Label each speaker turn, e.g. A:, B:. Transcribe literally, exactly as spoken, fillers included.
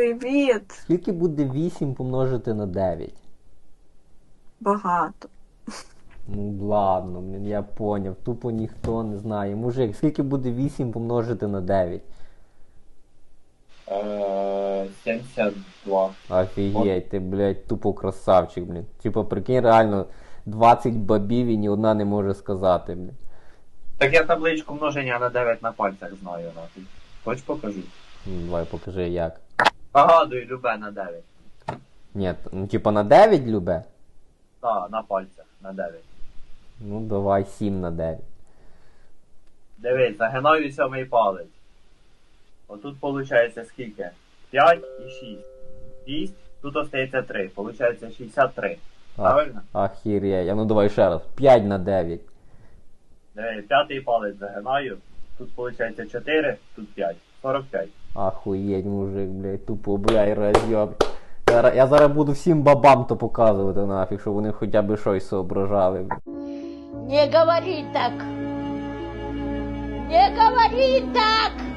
A: Привіт!
B: Скільки буде вісім помножити на дев'ять?
A: Багато.
B: Ну ладно, блін, я поняв. Тупо ніхто не знає. Мужик, скільки буде вісім помножити на дев'ять?
C: Е, сімдесят два.
B: Офігеть, ти, блядь, тупо красавчик, блін. Типа, прикинь, реально, двадцять бабів і ні одна не може сказати, блін.
C: Так я табличку множення на дев'ять на пальцях знаю, нахуй. Хоч покажу.
B: Ну, давай, покажи, як.
C: Погадую, любе на дев'ять.
B: Ні, ну типа на дев'ять любе?
C: Так, на пальцях, на дев'ять.
B: Ну давай сім на дев'ять.
C: Дивись, загинаю сьомий палець. Отут виходить скільки? п'ять і шість. шість, тут остається три. Получається шістдесят три. Правильно?
B: Ахір'я. А ну давай ще раз. п'ять на дев'ять.
C: Дивись, п'ятий палець загинаю. Тут виходить чотири, тут п'ять. сорок п'ять.
B: Ахуєть, мужик, блядь, тупо, блядь, роз'єб. Я, я зараз буду всім бабам то показувати нафіг, щоб вони хоча б щось соображали.
D: Не говори так! Не говори так!